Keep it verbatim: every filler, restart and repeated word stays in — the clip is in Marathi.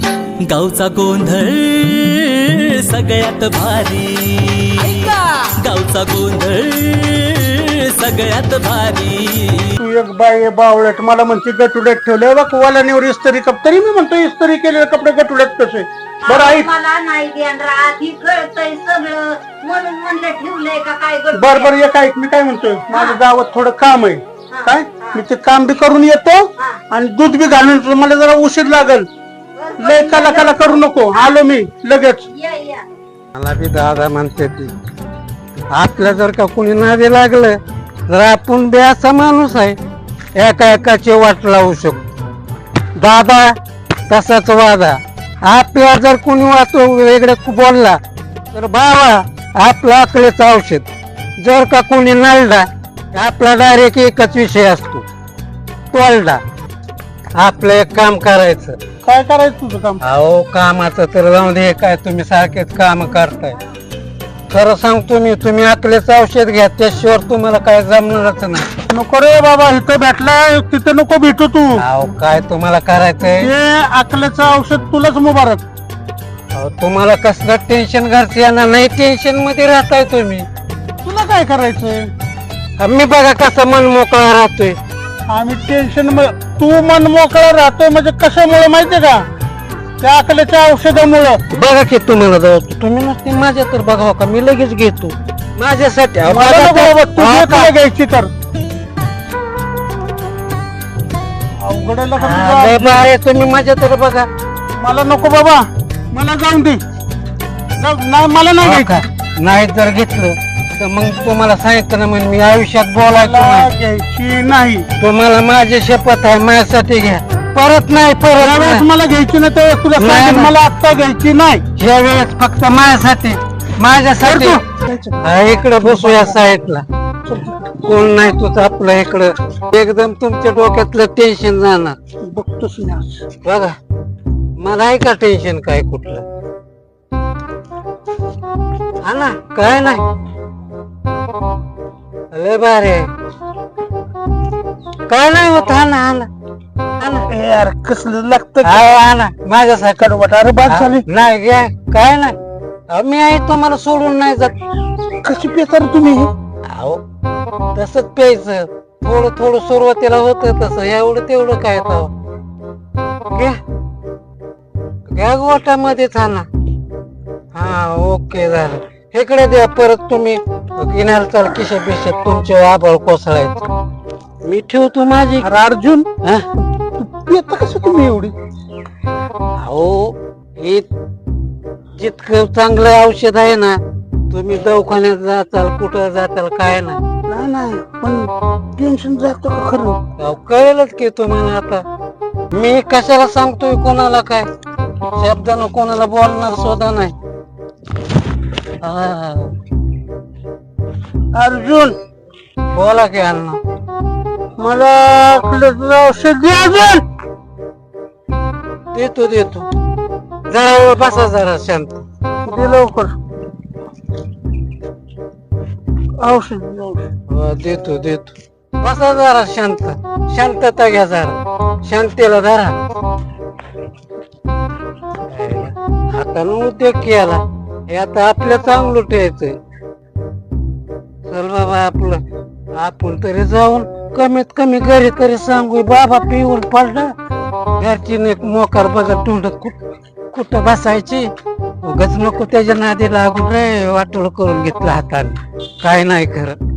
गावचा गोंधळ सगळ्यात भारी, गावचा गोंधळ सगळ्यात भारी. तू एक बाई बावळट मला म्हणते गटुड्यात ठेवले बघ वालानीवर इस्त्री कप, तरी मी म्हणतो इस्त्री केलेले कपडे गटुड्यात कसे. बरं आई मला नाही देणार, आधी कळतंय सगळं म्हणून म्हणलं ठेवलंय का काय. बर बर एक ऐक, मी काय म्हणतोय, माझ्या गावात थोडं काम आहे काय, मी ते काम बी करून येतो आणि दूध बी घालून येतो. मला जरा उशीर लागल, लय काला काला करू नको, आलो मी लगेच. या या मला बी दादा म्हणते ती, आपल्या जर का कुणी नादी लागलं तर आपण बी असा माणूस आहे एका एकाची वाट लावू शकतो. दादा तसाच वादा, आपल्या जर कोणी वाचो वेगळे बोलला तर बाबा आपलं अकलेचं औषध. जर का कोणी नळला आपला डायरेक्ट एकच विषय असतो, टोलडा. आपलं एक काम करायचं. काय करायचं तुझं काम? अहो कामाचं तर जाऊन दे, काय तुम्ही सारखेच काम करताय. खरं सांगतो मी, तुम्ही अकलेचं औषध घ्या, त्याशिवाय तुम्हाला काय जमणारच नाही. नको रे बाबा, इथं भेटलाय तिथं नको भेटू तू. अहो काय तुम्हाला करायचंय, हे अकलेचं औषध तुलाच मुबारक. अहो तुम्हाला कसलं टेन्शन घरचं येणार नाही, टेन्शन मध्ये राहताय तुम्ही. तुला काय करायचंय? मी बघा कसं मन मोकळा राहतोय. आम्ही टेन्शन, तू मन मोकळा राहतोय म्हणजे कशामुळे माहितीये का? त्या अकलेच्या औषधामुळं. बघा की तुम्हाला जाऊ, तुम्ही नसते माझ्या तर बघा का, मी लगेच घेतो माझ्यासाठी. अहो, मला बघा नको तर- बाबा, तुझी हा तुला का? घ्यायची तर अवघड आहे लका हा, तुझं. लय भारी, तुम्ही माझ्या तर बघा. मला नको बाबा, मला जाऊन दे. जाऊ- नाही मला नाही हो घ्यायची. का? नाही जर घेतलं तर मग तुम्हाला सांगितलं ना, मग मी आयुष्यात बोलायचं मला नाही. घ्यायची नाही. तुम्हाला माझी शपथ आहे, माझ्यासाठी घ्या. परत नाही, परत त्यावेळेस नाही. मला घ्यायची नाही, त्यावेळेस तुला नाही, सांगेन, नाही. मला आत्ता घ्यायची नाही. ह्या वेळेस फक्त माझ्यासाठी, माझ्यासाठी. करतो. हा, इकडं बसू या साईडला, कोण नाही तुझं आपलं इकडं. एकदम तुमच्या डोक्यातलं टेन्शन जाणार. बघतोस मी आज. बघा मला आहे का टेन्शन काय कुठलं? हा ना, काय नाही, लय भारी आहे. काय नाही होत. हा ना, हा ना, हा ना. ए यार कसलं लागतं हा, हा ना, माझ्यासाठी कडवट. अरे बाद झाली. नाही घ्या, काय नाही. अहो, मी आहे तुम्हाला सोडून नाही जात. कशी पेतर तुम्ही? अहो तसंच प्यायचं, थोडं थोडं सुरुवातीला होत तसं, एवढं तेवढं काय तर घ्या घ्या गोटामध्येच. हा ना, हा ओके झालं. इकडे द्या परत, तुम्ही गिन्याला चाल किशा पिशात तुमचे आभाळ कोसळायचं. मी ठेवतो माझी. अरे अर्जुन, हा? पेता कसं तुम्ही एवढी? अहो हे जितकं चांगलं औषध आहे ना, तुम्ही दवाखान्यात जाताल, कुठं जाताल, काय नाही. नाही नाही, पण टेन्शन जातं का खरं? अहो, कळेलच की तुम्हाला आता. मी कशाला सांगतोय कोणाला काय, शब्दानं कोणाला बोलणार सुद्धा नाही. हा, अर्जुन, बोला की अण्णा. मला अकलेचं औषध दे अर्जुन. देतो देतो, जरा बसा जरा शांत. दे लवकर औषध, औषध. हो, देतो देतो, बसा जरा शांत, शांतता घ्या जरा, शांतीला धरा. हातानं उद्योग केला, हे आता आपल्या चांगलं ठेवायचंय. चल बाबा, आपलं आपण तरी जाऊन कमीत कमी घरी तरी सांगू, बाबा पिऊन पडला. घरची मोकार बघत तोंडात कुठ कुठं बसायची. उगाच नको त्याच्या नादी लागून रे, वाटोळ करून घेतलं हाताने. काय नाही खरं.